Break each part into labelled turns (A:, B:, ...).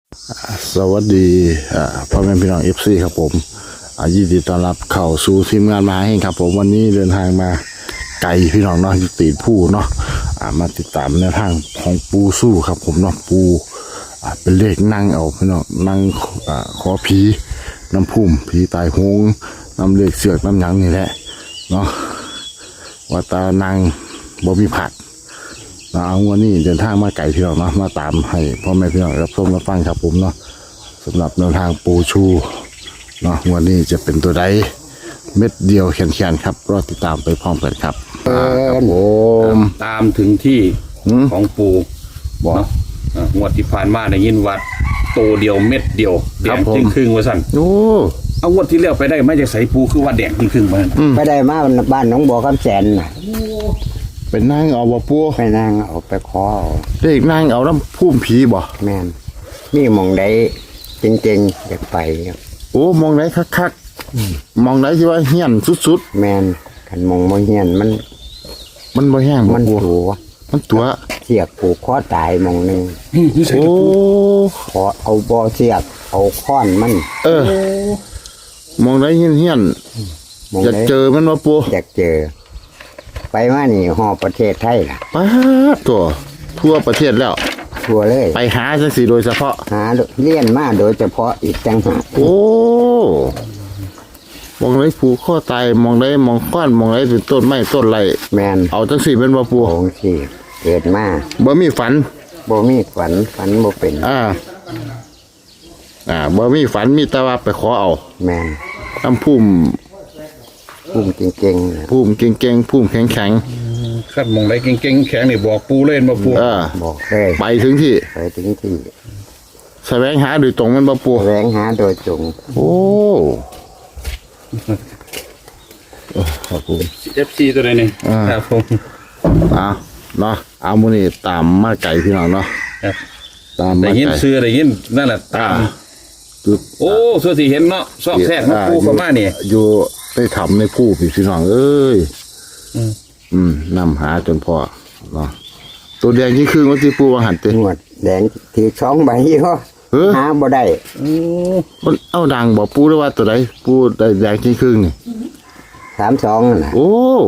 A: สวัสดีพ่อแม่พี่น้องFCครับผมยินดีต้อนรับเข้าสู่ทีมงานมาให้ครับผมวันนี้เดินทางมาไกลพี่น้องเนาะอยู่ตีนผู้เนาะมาติดตามแนวทางของปูสู้ครับผมเนาะปูเป็นเลขนั่งเอาพี่น้องนั่งขอผีน้ำพุ่มผีตายโหงน้ำเลขเสือกน้ำหยังนี่แหละเนาะว่าตานางบ่มีผัดเอาวันนี้เดินทางมาไกลพี่น้องเนาะมาตามให้พ่อแม่พี่น้องรับชมรับฟังครับผมเนาะสำหรับแนวทางปูชูเนาะวันนี้จะเป็นตัวใดเม็ดเดียวแขนๆครับรอติดตามไปพร้อมกันครับครับผม
B: ตามถึงที่ของปู่บอกงวดที่ผ่านมาในยินวัดโตเดียวเม็ดเดียวแดงจริงครึ่งว่าสั่น
A: โอ้
B: เอางวดที่เลี้ยวไปได้ไม่จะใส่ปูคือว่าแดงจริงครึ่งมัน
C: ไปได้มาบ้านน้องบัวคำแสนน่ะ
A: เป็นนางเอาบ่ปู
C: ไปนั่งเอาไปขอ
A: เด็กนางเอาน้ำพุ่มผีบ่
C: แม่นมีมองได้จริงๆอยากไป
A: โอ้มองไหนคักๆมองไหนที่ว่าเฮี้ยนสุด
C: ๆแม่นขันมองบ่เฮียน
A: มันบ่แห้งบ่ปูมันตัว
C: เสียกผูกคอตายมองนึง
A: โอ้
C: ขอเอาบ่อเสียกเอาค้อนมัน
A: มองไหนเฮี้ยนอยากเจอมันบ่ปู
C: อยากเจอไปมานี่ฮอประเทศไทยล่ะ
A: ป้าตัวทั่วประเทศแล้ว
C: ทั่วเลย
A: ไปหาจังสิโดยเฉพาะ
C: หาเลี้ยนมาโดยเฉพาะอีกจังหาก
A: โอ้มองไหนผูกข้อตายมองไหนมองก้อนมองไหนเป็นต้นไม้ต้นไร
C: แมน
A: เอาจังสิเป็นบ่ปู
C: โอ้สิเกิดมา
A: บ่มีฝัน
C: บ่มีฝันบ่เป็น
A: บ่มีฝันมีแต่ว่าไปขอเอา
C: แมน
A: น้ำพุ่ม
C: เก่งๆ
A: พุ่มเก่งๆพุ่มแข็ง
B: ขั้นมองได้เก่งๆแข็งนี่บอกปูเล่นมาปู
C: บอกเลย
A: ไปถึงที่แสวงหาโดยตรงมันบ่ปู
C: แสวงหาโดยตรง
A: โอ้ครับผม
B: FC ตัวไหนนี่ครับผม
A: เนาะเอามื้อนี้ตามมาไก่พี่น้องเนาะ
B: ครับ
A: ตาม
B: ได้ยินซื้อได้ยินนั่นแหละตามโอ้ส่วนที่เห็นเนาะซอกแทรกมาปูเข้ามานี่
A: อยู่ได้ทำในผู้พี่น้องเอ้ยนำหาจนพอเนาะตัวแดงที่คือว่าที่ปูว่าหันเต็ม
C: หมดแดงถือ2ใบเหรอหาบ่ได้
A: มันเอาดังบอกปูได้ว่าตัวไหนปูได้แดงที่คือนี่
C: 32น่ะ
A: โอ้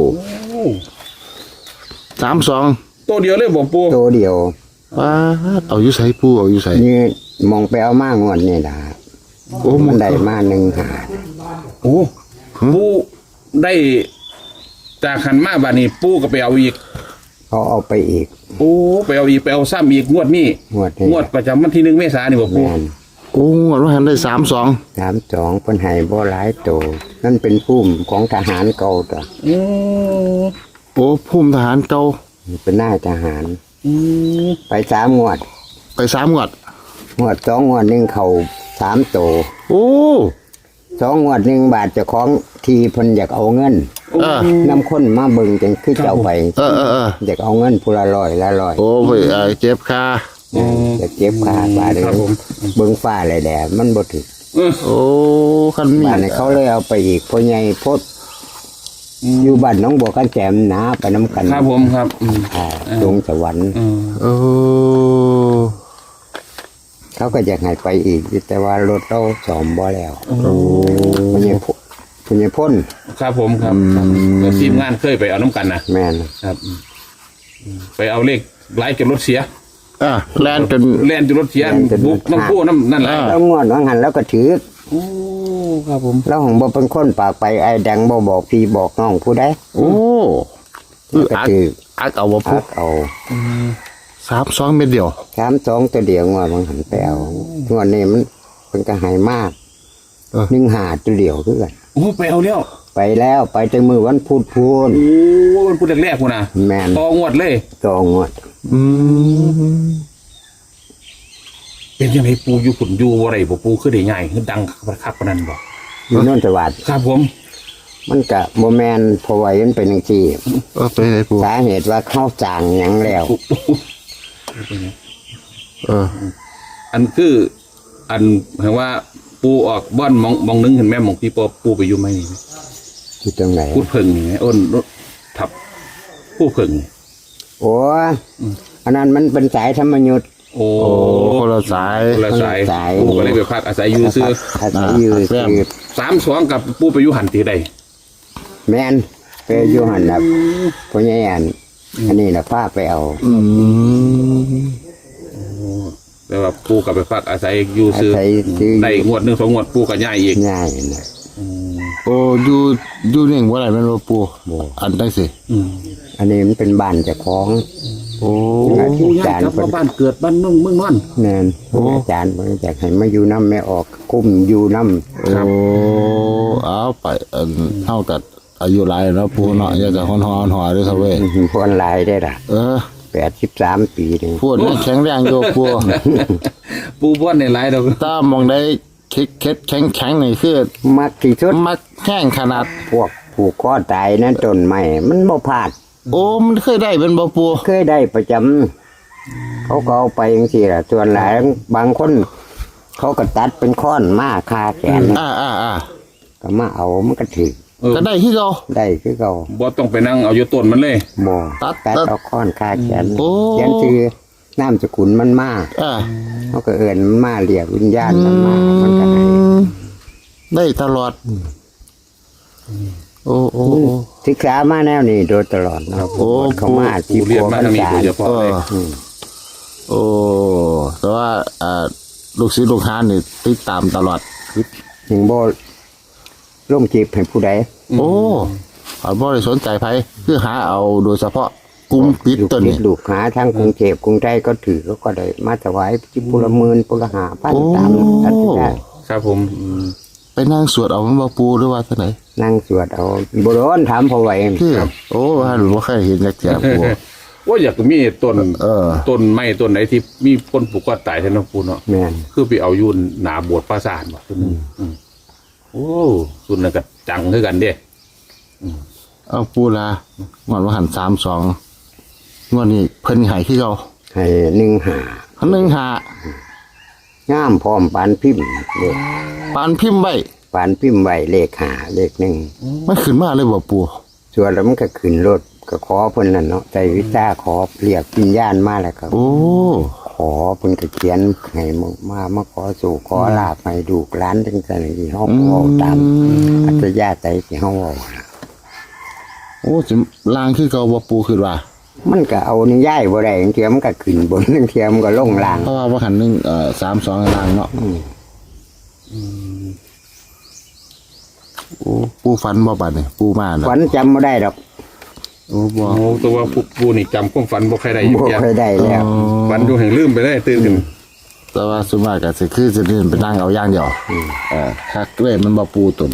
A: 32
B: ตัวเดียวเลยบอกปู
C: ตัวเดียว
A: เอาอยู่ใส่ปูเอาอยู่ใส่
C: นี่มองไปเอามางวดนี่ล่ะ
A: โอ้
C: มันได้มา1หา
B: โอ้ปูได้จากขันมาบานี้ปูก็ไปเอาอีก
C: เขาเอาไปอีก
B: โอ้ไปเอาอีกไปเอาซ้ำอีกงวดนี้งวดประจำวันที่1 เมษายนนี่บอกปู
A: โอ้งวดว่าหันได้32
C: เพิ่นให้บ่หลายโตนั่นเป็นภูมิของทหารเก่าตัว
A: โอ้ภูมิทหารเก่า
C: เป็นนายทหารไป3งวด
A: ไป3งวด
C: 2งวดนึงเข้า3โต
A: โอ้
C: 2งวด1บาทเจ้าของที่เพิ่นอยากเอาเงินนำคนมาเบิ่งจังคือเจ้าไปอยากเอาเงินผู้ละ100ละ100
A: โอ้ยเจ็บค่า
C: อยากเจ็บค่าบาดเบิ่งฟ้าเลยแหละมันบ่ถึก
A: โอ้คันมี
C: บ้านเขาเลยเอาไปอีกพ่อใหญ่พดอยู่บ้านน้องบัวกันแจมนะไปน้ำกัน
B: ครับผมครับ
C: ลงสวรรค์เขาก็อยากให้ไปอีกแต่ว่ารถเราสอมบ่แล้วพ่อใหญ่พ่น
B: ครับผมครับทีมงานเคยไปเอาน้ำกันนะ
C: แม่น
B: ครับไปเอาเลขไล่เก็บรถเสีย
A: แล่นจน
B: รถเสียบุกน้ำกู้นั่นแหละ
C: แล้วงวดหันแล้วก็ถือ
B: โอ้ครับผม
C: แล้วของบ่เป็นคนปากไปไอ้แดงบ่บอกพี่บอกน้องผู้ใด
A: โอ้อักเอาบ่พูด
C: เอา
A: 32เม็ดเดียว
C: 32ตัวเดียวงวดหันไปเอางวดนี้มันเป็นกระหายมาก1หาตัวเดียวคือกัน
B: โอ้ไปเอา
C: แล้วไปถึงมือวันพุธพูน
B: โอ้วันพุธแรกๆพูนนะ
C: แม่น
B: ต่องวดเลย
C: ต่องวด
B: เป็นยังไงปูอยู่ขุนอยู่อะไรบ่ปูคือได้ง่ายคือดังคักปานนั้นบ่
C: อยู่โน่นจังหวัด
B: ครับผม
C: มันก็บ่แม่นเพราะว่ามันเป็นจังซี่
A: ไปไหนปู
C: สาเหตุว่าเข้าจางหยังแล้ว
B: อันคืออันแปลว่าปูออกบ้านมองนึงเห็นแม่มองที่ปูไปอยู่ไหมนี่
C: อยู่ตรงไหน
B: พูดเพิ่งนี่อ้นทับผู้เพิ่ง
C: โอ้อันนั้นมันเป็นสายธรรมยุทธ์
B: โอ้
A: โอ้คนละสาย
B: คนละสายปูก็เลยไปพักอาศัยอยู่ซื้อ
C: อาศัยอยู่
A: แม่น
C: คือ
B: 32กับปูไปอยู่หันตีใด
C: แม่นไปอยู่หันน่ะพ่อใหญ่อันนี้น่ะพาไปเอา
A: อืม
B: แต่ว่าปูกับไปพักอาศัยอยู่
C: อา
B: ซื้อ
C: ศัยซื้อ
B: ได้งวด1 2งวดปูก็ย้ายอีก
C: ง่ายน่ะ
A: โอ้อยู่นี่บ่ได้แม่นบ่ปู่อันจังสิ
C: อันนี้มันเป็นบ้านเจ้าของ
A: โอ้
B: ปูย้ายกลับมาบ้านเกิดบ้านเมืองนอน
C: แม่นอาจารย์บ่อยากให้มาอยู่นำแม่ออกคุ้มอยู่นำ
A: โอ้เอาไปเท่ากับอายุหลายแล้วปู่เนาะอย่าจะฮ้อนๆหอด้วยครับเว้ย
C: คนหลายได้ล่ะ
A: เออ
C: 83 ปีนี่
A: พูดนี่แข็งแรงอยู่ปู่
B: ปูบ้านในหลายดอก
A: ถ้ามองได้เค็ดแข็งๆนี่คือ
C: มักที่สุด
A: มักแห้งขนาด
C: พวกผูกคอตายนั้นต้นไม้มันบ่พลาด
A: โอ้มันเคยได้เป็นบ่ปู่
C: เคยได้ประจำเขาก็เอาไปจังซี่ล่ะส่วนหลายบางคน เขาก็ตัดเป็นค้อนมาคาแขน
A: อ่า
C: ก็มาเอามันก็ถือ
A: ก็ได้ที่เรา
C: ได้คือเขา
B: บ่ต้องไปนั่งเอาอยู่ต้นมันเลย
C: บ่
A: ตัด
C: เอาค้อนคาแขน
A: โอ้
C: เขียนชื่อนามสกุลมันมา
A: อ่า
C: เขาก็เอิ้นมันมาเรียกวิญญาณมันมามันก็ให้
A: ได้ตลอด โอ้โอ้
C: ศึกษามาแนวนี้โดยตลอดเนาะ
A: โอ้
C: เขามา
B: ปู
C: ที่
B: เรียน
C: ปัว
B: มา
C: พรร
B: ทางนี้
C: ษา
B: โดยเฉพาะเลย
A: โอ้แต่ว่าลูกศิษย์ลูกหานี่ติดตามตลอด
C: ถึงบ่ร่วมจีบให้ผู้ใด
A: โอ้บ่ได้สนใจไผคือหาเอาโดยเฉพาะกลุ่มปิด
C: ลูก
A: ตัว
C: ศิ
A: นี้
C: ษย์ลูกหาทางกรุงเทพกรุงไทยก็ถือเขาก็ได้มาถวายที่ปุระหมื่นปุระหาพัน
A: โอ้
C: ตามอันที่ได้
B: ครับผม
A: ไปนั่งสวดเอามันบ่ปูหรือว่าจังได
C: นั่งสวดเอาบ่ร้อนถามพ่อไหว
A: คือโอ้ว่าหรือว่าเคยเห็นจักเที่ยปู
B: ว่าอยากมีต้น
A: อ
B: ต้นไม้ต้นไหนที่มีคนปลูกก็ตายแทนน้องปูเนาะ
C: แม่น
B: คือไปเอาอยุ่นหนาโบสถ์ปราสาทว่ะต้นนึงโอ้ส่วนนั้นก็จังคือกันเด้
A: เอาปูละงวดว่าหัน32งวดนี้เพิ่นให้คือเก่า
C: ให้1
A: อันหนึงหาง
C: ามพร้อมปานพิมพ์เลข
A: ปานพิมพ์ไว้
C: ปานพิมพ์ไว้เลข5เลข1
A: มันขึ้นมาเลยบ่ปู
C: ส่วนแล้วมันก็ขึ้นรถก็ขอเพิ่นนั่นเนาะใจวิชาขอเรียกวิญญาณมาแล้วก็
A: โอ้
C: ขอเพิ่นก็เขียนให้มาขอสู่ขอลาภให้ลูกหลานจังซั่นที่เฮาเว้าตามอัตยาใจที่เฮาเว้าน่ะ
A: โอ้สิลางคือเก่าบ่ปูคือว่า
C: มันก็เอานิยายบ่ได้จังเทียมันก็ขึ้นบนจังเทียมันก็ลงล่าง
A: เพราะว่าหันหนึง32ลางเนาะโอ้ปูฝันบ่บัดนี่ปูมาน่ะ
C: ฝันจำบ่ได้ดอก
A: โอ้บ่
B: โอ้ตัวว่าปูนี่จำความฝันบ่ใครได้อยู่
C: บ่
B: แก่
C: เคยได้แล้ว
B: ฝันดูแห่งลืมไปเลยตื่นขึ้น
A: แต่ว่าส่วนมากก็สิคือจะเดินไปนั่งเอาอย่างเดียวคักเลยมันบ่ปูตุน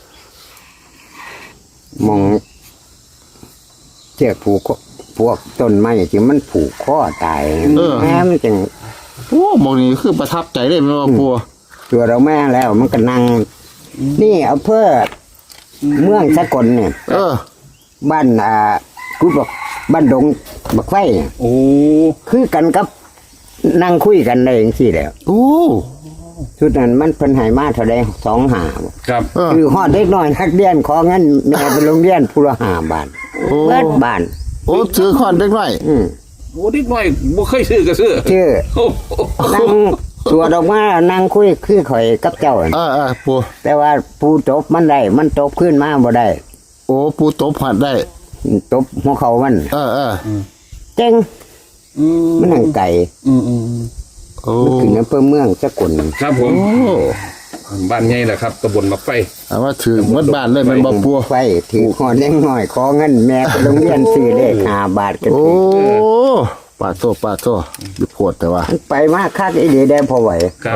C: มองเชือกผูกพวกต้นไม้ที่มันผูกคอตายแม่มันจัง
A: โอ้หมองนี้คือประทับใจเลยมันบ่ปู
C: ตัวเราแม่แล้วมันก็นั่งนี่เอาเพื่อเมืองสกลเนี่ย บ้านกูบอกบ้านดงบักไฟเนี่ย
B: โอ้
C: คือกันกับนั่งคุยกันได้อย่างที่แหล้ว
A: โอ้
C: ชุดนั้นมันเพิ่นให้มาเท่าใด2 หา
B: ครับ
C: คือฮอดเด็กน้อยนักเรียนขอเงินแม่ไปโรงเรียนผู้ละ5 บาทเบิดบ้าน
A: โอ้ซื้อคอนเด็กน้อย
B: โอ้นิดหน่อยบ่เคยซื้อก็ซื้อ
C: ชื่อ
B: โอ้
C: นั่งตัวดอกมานั่งคุยคือข่อยกับเจ้าน่ะ
A: ปู
C: แต่ว่าผู้ตบมันได้มันตบขึ้นมาบ่ได้
A: โอ้ปูตบหัดได้
C: ตบหัวเขามัน เจ๊งมันนั่งไก่
A: โอ้
C: มันขึ้นอำเภอเมืองสกล
B: ครับผม
A: โอ้
B: บ้านใหญ่แหละครับตำบลมะไฟ
A: เอาว่าถือหมดบ้านเลยมันบ่ปู
C: ไฟถือหอดเล็กน้อยขอเงินแม่ไปโรงเรียนซื้อเลข5 บาทกัน
A: โอ้ปาโตดิโพดแต่ว่า
C: ไปมาคักอีเดีได้พอไหว
B: ครับ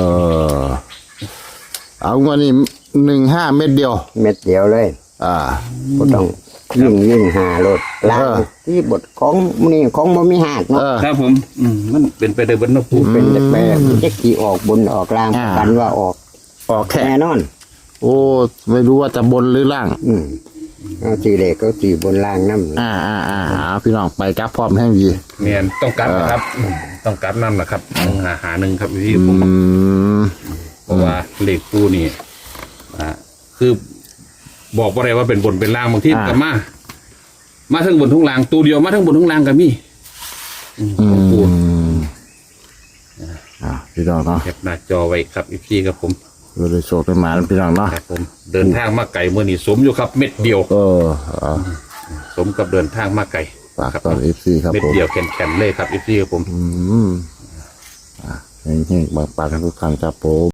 A: เอางวดนี้15เม็ดเดียว
C: เม็ดเดียวเลย ก็ต้องยิ่งหารถล้างที่บทของนี่ของบ่มีหักเนาะ
B: ครับผมมันเป็นไปได้เบิดเนาะปู
C: เป็นแต่ไปจะขี่ออกบนออกล่างกันว่าออกแน่นอน
A: โอ้ไม่รู้ว่าจะบนหรือล่าง
C: เอาสีเหล็กก็สีบนล่างน้ำ
A: เอาพี่น้องไปกลับพร้อมแห้งดี
B: แม่นต้องกลับนะครับ ต้องกลับนั่นนะครับหาหนึ่งครับที่ผม เพราะว่าเหล็กปูนี่คือบอกว่าอะไรว่าเป็นบนเป็นล่างบางที่กับมาทั้งบนทั้งล่างตัวเดียวมาทั้งบนทั้งล่างกับมีปู
A: พี่น้องเนาะ
B: แคปหน้าจอไว้ครับพี่ครับผม
A: เราได้โชคได้มาแล้วพี่น้องเนาะ
B: ครับผมเดินทางมาไกลเมื่อนี้สมอยู่ครับเม็ดเดียว สมกับเดินทางมาไกล
A: ฝากตอนFCครับ
B: เม็ด
A: ผม
B: เดียวแข็งๆเลยครับพี่ครับผม
A: เฮงๆปังๆทุกท่านครับผม